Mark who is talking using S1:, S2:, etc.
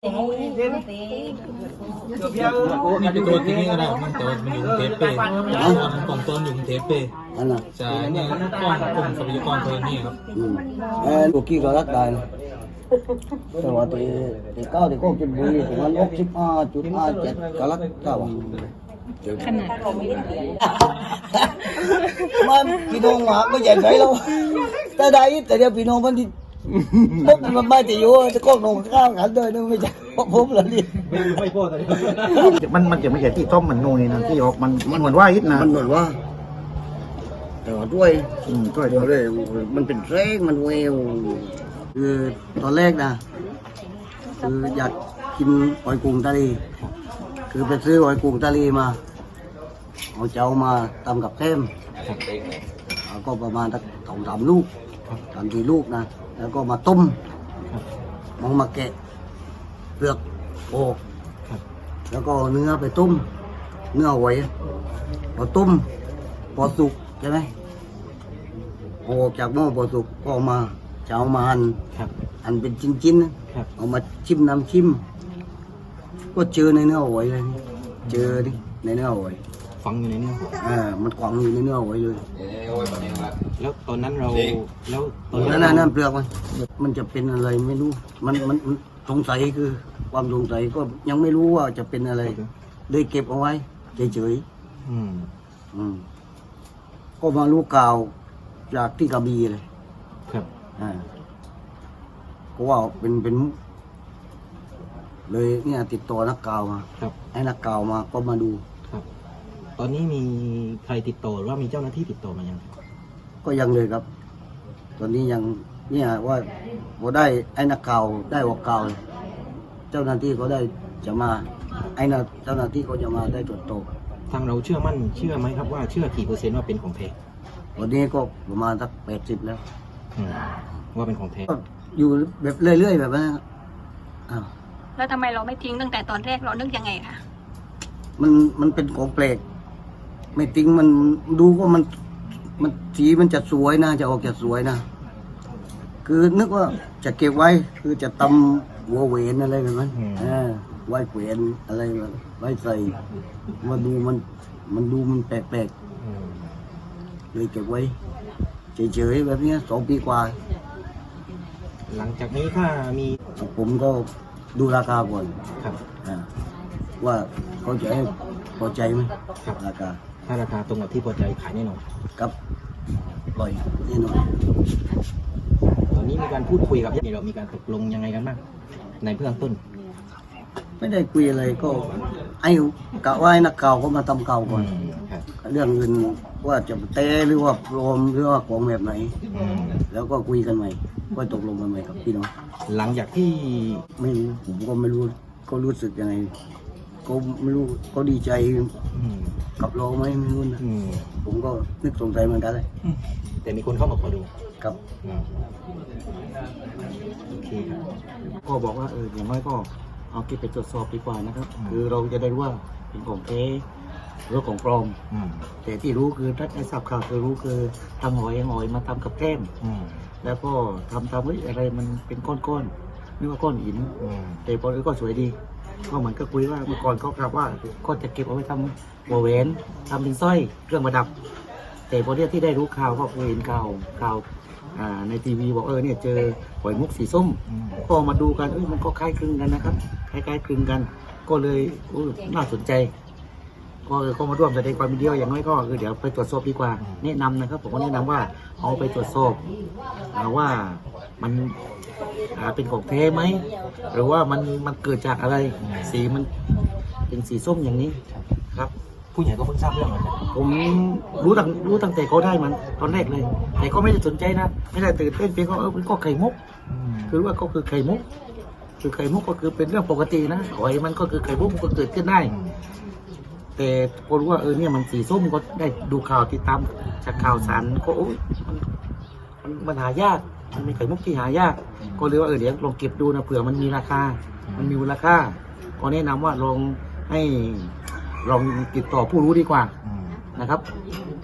S1: นี่เป็นตัวที่นี่ก็ได้มันตัวมันอยู่กรุงเทพเป้มันกล่องต้นอยู่กรุงเทพเป้ใช่เนี่ยกล้องกลุ่มทรัพยากรตัวนี้ครับ
S2: ตัวกี้ก็รักได้แต่ว่าตัวเก้าที่ก็กินบุหรี่ถึงมัน65.57ก็รักเก้า
S3: ขนาด
S2: มันพี่น้องหมาก็ใหญ่ใจแล้วแต่ได้แต่เดี๋ยวพี่น้องมันที่พบมันไม่จะอยู่จะก้มลงข้าวกันเลยนึกไม่ใช่ผมเลยนี่
S1: ไม่พอเลย
S4: มันจะไม่ใช่ที่ต้มมันนูนี่นะที่ออกมันเหมือนว่าอิดนะ
S2: มันเหมือนว่าแต่ว่าด้วยมันเป็นแรงมันเวลคือตอนแรกนะคืออยากกินหอยกุ้งทะเลคือไปซื้อหอยกุ้งทะเลมาเอาเจ้ามาทำกับแคมก็ประมาณสัก2-3 ลูก3-4 ลูกนะแล้วก็มาต้มมาแกะเปลือกออกแล้วก็เนื้อไปต้มเนื้อหอยพอต้มพอสุกใช่ไหมออกจากหม้อพอสุกก็มาจะเอามาหั่นเป็นชิ้นๆเอามาจิ้มน้ำจิ้มก็เจอในเนื้อหอยเลยเจอดิในเนื้อหอย
S1: ฝังอยู่ในเนื้อ
S2: มันขวางอยู่ในเนื้อหอยเลย
S1: แล้วตอนนั้นเราแล้ว
S2: ตอนนั้นเปลือกมันจะเป็นอะไรไม่รู้มันสงสัยคือความสงสัยก็ยังไม่รู้ว่าจะเป็นอะไรเลยเก็บเอาไว้เฉยๆก็มารู้ข่าวจากที่กระบี่เลย
S1: ครับ
S2: ก็ว่าเป็นเลยเนี่ยติดต่อนักข่าวมาให้นักข่าวมาก็มาดู
S1: ครับตอนนี้มีใครติดต่อหรือว่ามีเจ้าหน้าที่ติดต่อมายัง
S2: ก็ยังเลยครับตอนนี้ยังเนี่ยว่าพอได้ไอ้นักข่าวได้ออกข่าวเจ้าหน้าที่ก็ได้จะมาเจ้าหน้าที่ก็จะมาได้ตรวจสอบ
S1: ทางเราเชื่อไหมครับว่าเชื่อกี่เปอร์เซ็นต์ว่าเป็นของแท้
S2: วันนี้ก็ประมาณสัก80แล้ว
S1: ว่าเป็นของแท้
S2: อยู่แบบเรื่อยๆแบบนั้น
S3: แล้วทำไมเราไม่ทิ้งตั้งแต่ตอนแรกเรานึกยังไงคะ
S2: มันเป็นของแปลกไม่ทิ้งมันดูว่ามันสีมันจะสวยนะจะออกจะสวยนะคือนึกว่าจะเก็บไว้คือจะตำหัวเวนอะไรแบบนั้นไว้เขวนอะไรไว้ใส่มาดูมันดูมันแปลกๆเลยเก็บไว้เฉยๆแบบนี้2 ปีกว่า
S1: หลังจากนี้ถ้ามี
S2: ผมก็ดูราคาก่อน
S1: ครับ
S2: ว่าเขาจะให้พอใจไหมราคา
S1: ถ้าราคาตรงกับที่พอใจขายแน่นอน
S2: ครับปล่อยแน่นอน
S1: ตอนนี้มีการพูดคุยกับเรามีการตกลงยังไงกันบ้างในเบื้องต้น
S2: ไม่ได้คุยอะไรก็ไอ้กะว่านักข่าวก็มาทำข่าวก่อนเรื่องเงินว่าจะเตะหรือว่าปลอมหรือว่าของแบบไหนแล้วก็คุยกันใหม่ก็ตกลงกันใหม่กับพี่น้อง
S1: หลังจากที่
S2: ไม่รู้ผมก็ไม่รู้ก็รู้สึกยังไงก็ไม่รู้ก็ดีใจกับเราไหมไม่รู้นะผมก็นึกสงสัยเหมือนกันเลย
S1: แต่มีคนเข้ามาขอดู
S2: ครับ
S1: โอเคครับ
S4: ก็บอกว่าอย่างน้อยก็เอาเก็บไปตรวจสอบดีกว่านะครับคือเราจะได้รู้ว่าเป็นของแท้หรือของปลอมแต่ที่รู้คือถ้าได้ทราบข่าวคือรู้คือทำหอยมาทำกับแก้มแล้วก็ทำอะไรมันเป็นก้อนๆนึกว่าก้อนหินแต่พอก็สวยดีก็เหมือนก็คุยว่าเมื่อก่อนเขาครับว่าก็จะเก็บเอาไว้ทำหัวแหวนทำเป็นสร้อยเครื่องประดับแต่พอที่ได้รู้ข่าวก็เห็นข่าวในทีวีบอกเนี่ยเจอหอยมุกสีส้มก็มาดูกันมันก็คล้ายคลึงกันนะครับคล้ายคลึงกันก็เลยน่าสนใจก็มาร่วมแสดงความยินดีอย่างน้อยก็คือเดี๋ยวไปตรวจสอบดีกว่าแนะนำนะครับผมก็แนะนำว่าเอาไปตรวจสอบว่ามันเป็นของแท้ไหมหรือว่ามันเกิดจากอะไรสีมันเป็นสีส้มอย่างนี้ครับ
S1: ผู้ใหญ่ก็เพิ่งทราบเรื่อง
S4: ผมรู้ตั้งแต่เขาได้มันตอนแรกเลยแต่ก็ไม่ได้สนใจนะไม่ได้ตื่นเต้นเพียงก็ไข่มุกคือว่าก็คือไข่มุกคือไข่มุกก็คือเป็นเรื่องปกตินะหอยมันก็คือไข่มุกมันก็เกิดขึ้นได้แต่พอรู้ว่าเนี่ยมันสีส้มก็ได้ดูข่าวติดตามจากข่าวสารก็มันหายากมันมีไข่มุกที่หายากก็เลยว่าเดี๋ยวลองเก็บดูนะเผื่อมันมีราคามันมีมูลค่าก็แนะนำว่าลองติดต่อผู้รู้ดีกว่านะครับ